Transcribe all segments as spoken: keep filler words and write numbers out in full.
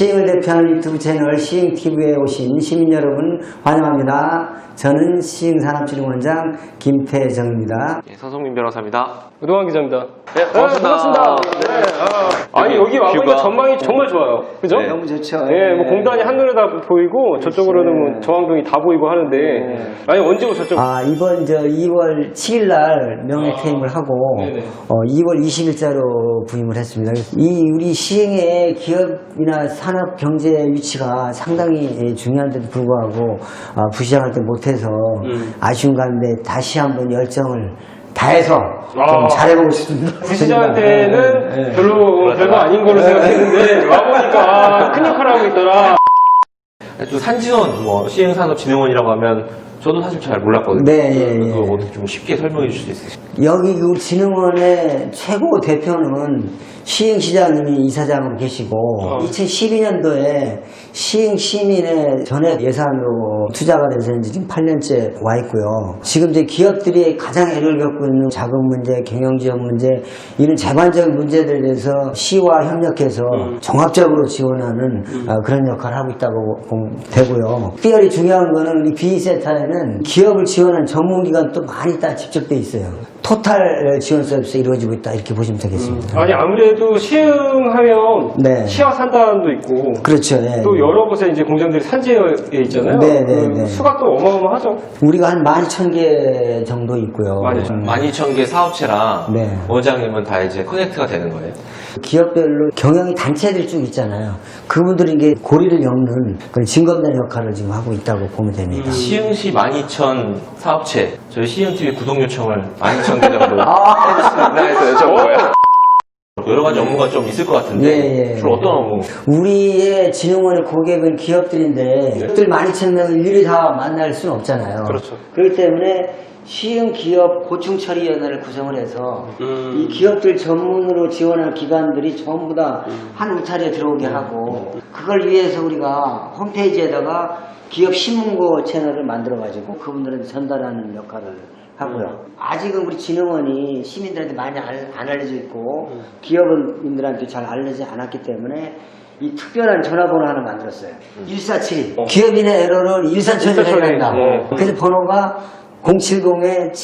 시흥을 대표하는 유튜브 채널 시흥티비에 오신 시민 여러분 환영합니다. 저는 시흥산업진흥원장 김태정입니다. 네, 서성민 변호사입니다. 우동환 기자입니다. 네, 반갑습니다. 네, 반갑습니다. 네, 아, 아니 여기 와보니까 전망이 정말 좋아요. 그죠? 네. 너무 좋죠. 네, 뭐 공단이 한눈에 다 보이고 저쪽으로는 뭐 정황동이 다 보이고 하는데 네. 아니 언제 오셨죠? 아, 이번 저 이월 칠일 날 명예퇴임을 하고 네네. 어, 이월 이십일자로 부임을 했습니다. 이 우리 시흥의 기업이나 산업 경제 위치가 상당히 중요한데도 불구하고 어, 부시장할 때 못해서 음. 아쉬운 가운데 다시 한번 열정을 다해서 아. 좀 잘해보고 싶습니다. 부시장한테는 네, 네. 별로 별거 아닌 걸로 생각했는데 와보니까 아, 큰 역할을 하고 있더라. 또 산진원, 뭐 시흥산업진흥원이라고 하면 저도 사실 잘 몰랐거든요. 네, 예, 예. 그거 어떻게 좀 쉽게 설명해 주실 수 있으세요? 여기 그 진흥원의 최고 대표는 시흥시장님이 이사장으로 계시고 어. 이천십이년도에 시흥시민의 전액 예산으로 투자가 돼서 이제 지금 팔 년째 와 있고요. 지금 이제 기업들이 가장 애를 겪고 있는 자금 문제, 경영지원 문제 이런 재반적인 문제들에 대해서 시와 협력해서 음. 종합적으로 지원하는 음. 어, 그런 역할을 하고 있다고 보면 되고요. 특별히 중요한 거는 우리 비이센터에는 기업을 지원하는 전문기관도 많이 다 집적돼 있어요. 토탈 지원 서비스 이루어지고 있다 이렇게 보시면 되겠습니다. 아니 아무래도 시흥하면 네. 시와 산단도 있고 그렇죠. 네. 또 여러 곳에 이제 공장들이 산지에 있잖아요. 네, 네, 그 네. 수가 또 어마어마하죠. 우리가 한 만 이천 개 정도 있고요. 많이 음. 만 이천 개 사업체랑 네. 원장님은 다 이제 커넥트가 되는 거예요? 기업별로 경영이 단체들 쭉 있잖아요. 그분들이 이게 고리를 엮는 그런 징검다리 역할을 지금 하고 있다고 보면 됩니다. 시흥시 만 이천 사업체, 저희 시흥티비 구독 요청을 만 이천 개 정도 아. 해주시나 해서 여쭤본 거예요. 여러 가지 업무가 좀 있을 것 같은데 예, 예. 주로 어떤 업무? 우리의 진흥원의 고객은 기업들인데 기업들 만 이천 명을 일일이 다 만날 수는 없잖아요. 그렇죠. 그렇기 때문에 시흥 기업 고충처리위원회를 구성을 해서 음. 이 기업들 전문으로 지원하는 기관들이 전부 다 한 울타리에 들어오게 하고 그걸 위해서 우리가 홈페이지에다가 기업 신문고 채널을 만들어 가지고 그분들한테 전달하는 역할을 하고요. 아직은 우리 진흥원이 시민들한테 많이 알, 안 알려져 있고 기업인들한테 잘 알려지지 않았기 때문에 이 특별한 전화번호 하나 만들었어요. 일사칠이. 어. 기업인의 에러를 일사천리로 일사천리. 해낸다. 네. 그래서 번호가 공칠공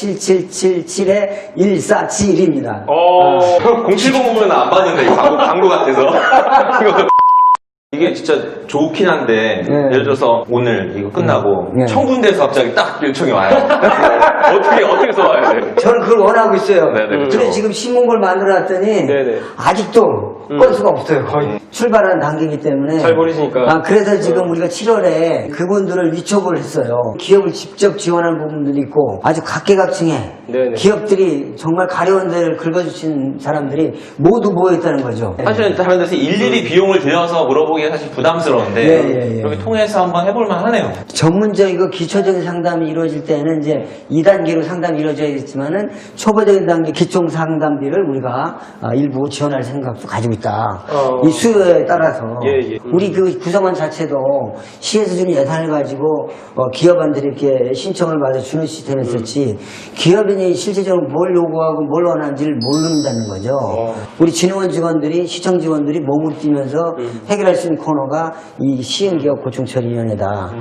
칠칠칠칠 일사칠입니다. 어. 공칠공은 안 받는다. 이거 광고, 광고 같아서. 이거. 이게 진짜 좋긴 한데 네. 예를 들어서 오늘 이거 끝나고 네. 천 군데에서 갑자기 딱 요청이 와요. 어떻게 어떻게 써와야 돼요? 저는 그걸 원하고 있어요. 네네, 그렇죠. 그래서 지금 신문고를 만들어놨더니 네네. 아직도 음. 건 수가 없어요. 거의 음. 출발하는 단계이기 때문에 잘 버리시니까. 아, 그래서 지금 우리가 칠월에 그분들을 위촉을 했어요. 기업을 직접 지원하는 부분들이 있고 아주 각계각층의 네네. 기업들이 정말 가려운 데를 긁어주신 사람들이 모두 모여있다는 거죠. 사실은 다른 데서 일일이 비용을 들여서 물어보기가 사실 부담스러운데 예, 예, 예. 이렇게 통해서 한번 해볼만 하네요. 전문적이고 기초적인 상담이 이루어질 때는 이제 이 단계로 상담이 이루어져야겠지만은 초보적인 단계 기초 상담비를 우리가 아, 일부 지원할 생각도 가지고 있다. 어. 이 수요에 따라서 예, 예. 우리 그 구성원 자체도 시에서 주는 예산을 가지고 어, 기업원들이 이렇게 신청을 받아 주는 시스템이 있었지 기업인이 실제적으로 뭘 요구하고 뭘 원하는지를 모른다는 거죠. 어. 우리 진흥원 직원들이 시청 직원들이 몸을 뛰면서 해결할 수 있는 코너가 이 시흥기업 고충처리위원회다.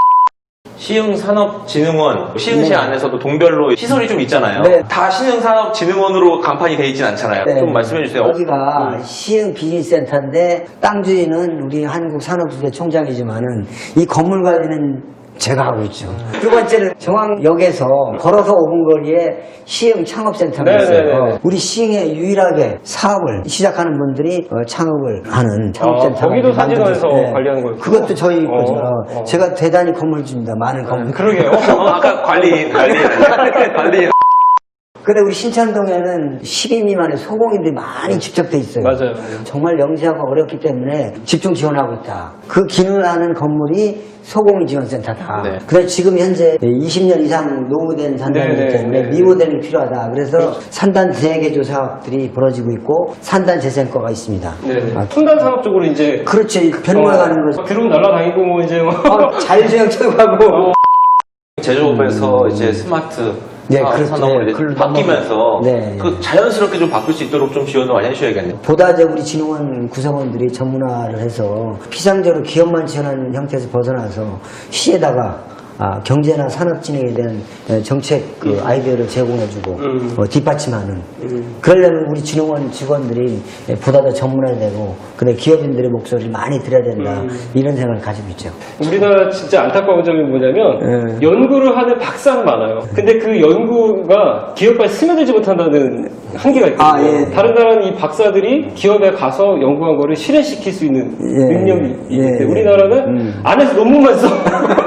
시흥산업진흥원, 시흥시 네. 안에서도 동별로 시설이 좀 있잖아요. 네. 다 시흥산업진흥원으로 간판이 돼 있진 않잖아요. 네. 좀 말씀해 주세요. 여기가 시흥 비즈니스센터인데 땅 주인은 우리 한국산업부의 총장이지만은 이 건물 관리는 제가 하고 있죠. 두 번째는 정왕역에서 걸어서 오 분 거리에 시흥 창업센터가 네, 있어요. 네, 네. 우리 시흥에 유일하게 사업을 시작하는 분들이 어, 창업을 하는 창업센터. 아, 거기도 산진원에서 관리하는 거였구나. 그것도 저희 어, 거죠. 어. 제가 대단히 건물주입니다. 많은 건물. 그러게요. 어, 아까 관리인, 관리인, 관리인. 근데 우리 신천동에는 십 인 미만의 소공인들이 많이 집적돼 있어요. 맞아요. 정말 영지하고 어렵기 때문에 집중 지원하고 있다. 그 기능을 하는 건물이 소공인 지원센터다. 네. 그래서 지금 현재 이십 년 이상 노후된 산단이기 네, 네, 때문에 네. 리모델링이 필요하다. 그래서 산단 재개조 사업들이 벌어지고 있고 산단 재생과가 있습니다. 네. 아, 첨단 산업 쪽으로 이제 그렇죠. 변모해 가는 거죠. 드론 날라다니고 뭐 이제 뭐. 어, 자율주행 처리하고 제조업에서 이제 스마트 네, 사- 그렇죠. 산업으로 이제 그걸로 바뀌면서 네, 그 자연스럽게 좀 바뀔 수 있도록 좀 지원을 많이 해주셔야겠네요. 보다 이제 우리 진흥원 구성원들이 전문화를 해서 피상적으로 기업만 지원하는 형태에서 벗어나서 시에다가 아, 경제나 산업 진행에 대한 에, 정책 그 아이디어를 제공해주고 음. 어, 뒷받침하는 음. 그러려면 우리 진흥원 직원들이 에, 보다 더 전문화되고 근데 기업인들의 목소리를 많이 들어야 된다 음. 이런 생각을 가지고 있죠. 우리나라 진짜 안타까운 점이 뭐냐면 네. 연구를 하는 박사는 많아요. 근데 그 연구가 기업까지 스며들지 못한다는 한계가 있거든요. 아, 예. 다른 나라는 이 박사들이 기업에 가서 연구한 거를 실현시킬 수 있는 예. 능력이 있기 예. 때문에 우리나라는 음. 안에서 논문만 써.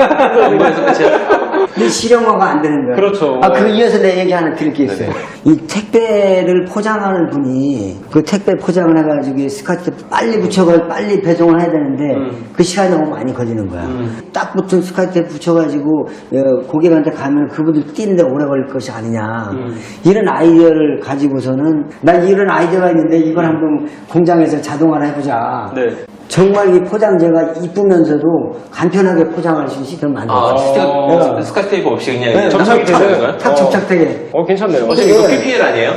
그래서 끝이야. 근데 실용화가 안 되는 거야. 그렇죠. 아, 그 이어서 내 얘기 하나 드릴 게 있어요. 이 택배를 포장하는 분이 그 택배 포장을 해가지고 이 스카트 빨리 붙여가지고 빨리 배송을 해야 되는데 음. 그 시간이 너무 많이 걸리는 거야. 음. 딱 붙은 스카트에 붙여가지고 어, 고객한테 가면 그분들 뛰는데 오래 걸릴 것이 아니냐. 음. 이런 아이디어를 가지고서는 난 이런 아이디어가 있는데 이걸 한번 공장에서 자동화를 해보자. 네. 정말 이 포장재가 이쁘면서도 간편하게 포장할 수 있는 시스템을 만들었어요. 아, 스티커, 네. 스카치 테이프 없이 그냥 네, 접착이 접착이 되는 되는 거예요? 탁 접착되게. 어, 괜찮네요. 어, 지금 이거 피피엘 아니에요?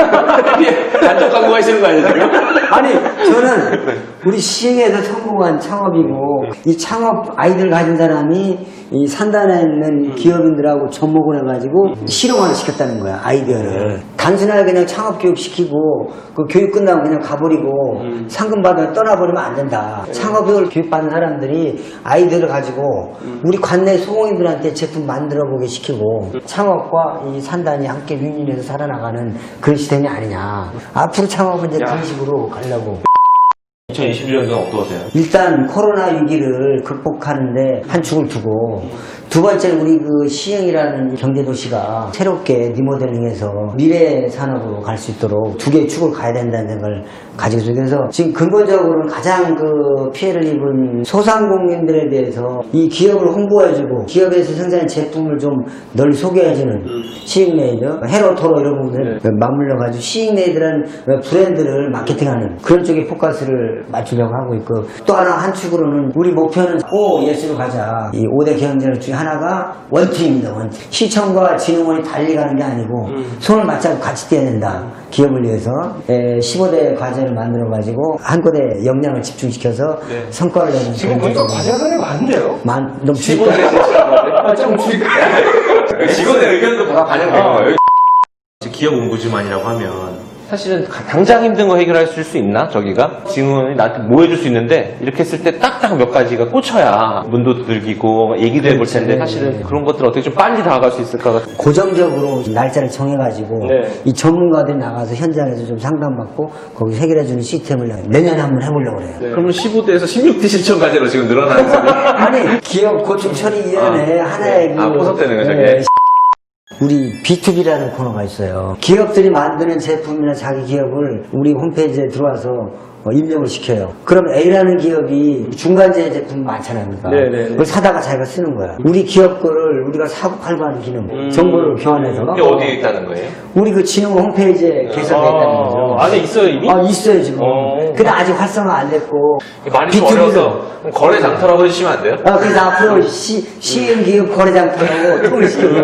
피피엘 간접 광고 하시는 거 아니에요, 지금? 아니 저는 우리 시흥에서 성공한 창업이고 이 창업 아이들 가진 사람이 이 산단에 있는 기업인들하고 접목을 해가지고 실용화를 시켰다는 거야 아이디어를. 단순하게 그냥 창업 교육 시키고 그 교육 끝나고 그냥 가버리고 상금 받아 떠나버리면 안 된다. 창업을 교육받는 사람들이 아이디어를 가지고 우리 관내 소공인들한테 제품 만들어보게 시키고 창업과 이 산단이 함께 윈윈해서 살아나가는 그런 시스템이 아니냐. 앞으로 창업은 이제 그런 식으로 가려고. 이천이십일 년도는 어떠세요? 일단 코로나 위기를 극복하는데 한 축을 두고 두 번째는 우리 그 시흥이라는 경제도시가 새롭게 리모델링해서 미래 산업으로 갈 수 있도록 두 개의 축을 가야 된다는 생각을 가지고 있어요. 그래서 지금 근본적으로는 가장 그 피해를 입은 소상공인들에 대해서 이 기업을 홍보해주고 기업에서 생산한 제품을 좀 널리 소개해주는 시흥메이드, 헤로토로 이런 부분을 맞물려가지고 시흥메이드라는 브랜드를 마케팅하는 그런 쪽에 포커스를 맞추려고 하고 있고 또 하나 한 축으로는 우리 목표는 오 예스로 가자. 이 오 대 경쟁력 중에 하나가 원팀입니다. 원팀. 시청과 진흥원이 달리 가는 게 아니고 손을 맞잡고 같이 뛰어야 된다. 기업을 위해서 에, 십오 대 과제를 만들어가지고 한 곳에 역량을 집중시켜서 네. 성과를 내는 지금 그런 보니까 쪽으로. 과제가 상당히 많은데요? 만, 너무 직원의 줄까? 좀 줄까? 직원의 의견도 다 반영된 거예요. 기업 옹부지만이라고 하면 사실은 가- 당장 힘든 거 해결할 수 있나 저기가? 지금은 나한테 뭐 해줄 수 있는데 이렇게 했을 때 딱딱 몇 가지가 꽂혀야 문도 들기고 얘기도 해볼 텐데 사실은 그런 것들 어떻게 좀 빨리 다가갈 수 있을까가 고정적으로 날짜를 정해가지고 네. 이 전문가들이 나가서 현장에서 좀 상담받고 거기 해결해주는 시스템을 내년에 한번 해보려고 그래요. 네. 그러면 십오 대에서 십육 대 실천 과제로 지금 늘어나는 소리? 아니 기업 고충 처리위원회 아, 하나의 네. 아, 포섭되는 거죠, 네, 이게? 우리 비투비라는 코너가 있어요. 기업들이 만드는 제품이나 자기 기업을 우리 홈페이지에 들어와서 어, 입력을 시켜요. 그럼 A라는 기업이 중간재 제품 많잖아요. 그러니까. 네, 네, 네. 그걸 사다가 자기가 쓰는 거야. 우리 기업 거를 우리가 사고 팔고 하는 기능, 음. 정보를 교환해서. 이게 어디에 있다는 거예요? 우리 그 진흥 홈페이지에 개설되어 있다는 거죠. 아, 안에 있어요, 이미? 아, 있어요, 지금. 어. 근데 아직 활성화 안 됐고. 많이 좀 비투비로. 어려워서 그럼 거래 장터라고 해주시면 안 돼요? 아, 그래서 앞으로 시, 시흥기업 거래장터라고 통을 시켜요.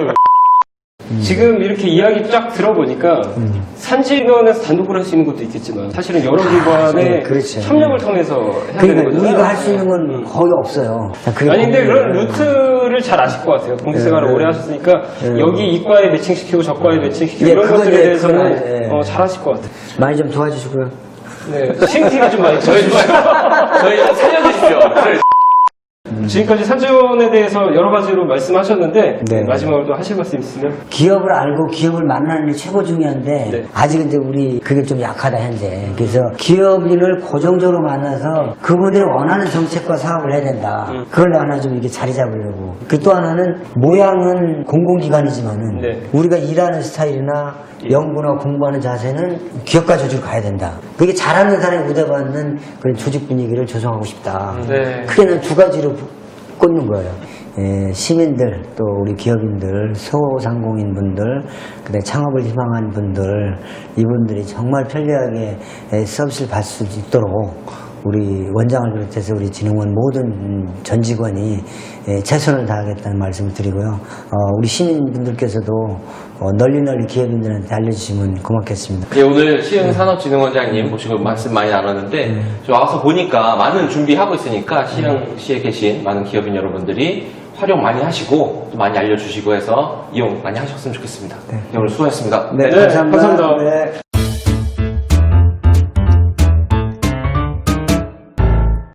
지금 이렇게 이야기 쫙 들어보니까 산지면에서 단독으로 할 수 있는 것도 있겠지만 사실은 여러 기관의 네, 그렇죠. 협력을 통해서 해야 되는 그러니까 거잖아요. 우리가 할 수 있는 건 거의 없어요. 그게 아니 근데 그런 거의- 루트를 잘 아실 것 같아요. 공직생활을 네. 오래 하셨으니까 네. 여기 이과에 매칭시키고 저과에 매칭시키고 예, 이런 그건 것들에 이제 대해서는 그건, 예. 어, 잘 하실 것 같아요. 많이 좀 도와주시고요. 네. 시행티가 좀 많이 저희 좀 저희 좀 살려주십시오. 지금까지 산지원에 대해서 여러 가지로 말씀하셨는데 네. 마지막으로 또 하실 말씀 있으면 기업을 알고 기업을 만나는 게 최고 중요한데 네. 아직은 이제 우리 그게 좀 약하다 현재. 그래서 기업인을 고정적으로 만나서 그분들이 원하는 정책과 사업을 해야 된다. 음. 그걸 하나 좀 이렇게 자리 잡으려고. 그 또 하나는 모양은 공공기관이지만은 네. 우리가 일하는 스타일이나 연구나 공부하는 자세는 기업가 조직으로 가야 된다. 그게 잘하는 사람이 우대받는 그런 조직 분위기를 조성하고 싶다. 네. 크게 는 두 가지로 꽂는 거예요. 예, 시민들, 또 우리 기업인들, 소상공인분들, 그다음에 창업을 희망하는 분들, 이분들이 정말 편리하게 예, 서비스를 받을 수 있도록 우리 원장을 비롯해서 우리 진흥원 모든 전 직원이 예, 최선을 다하겠다는 말씀을 드리고요. 어, 우리 시민분들께서도 어, 널리 널리 기업인들한테 알려주시면 고맙겠습니다. 예, 오늘 시흥산업진흥원장님 모시고 말씀 많이 나눴는데 저 와서 보니까 많은 준비하고 있으니까 시흥시에 계신 많은 기업인 여러분들이 활용 많이 하시고 또 많이 알려주시고 해서 이용 많이 하셨으면 좋겠습니다. 네, 오늘 수고하셨습니다. 네, 네, 감사합니다. 감사합니다. 네.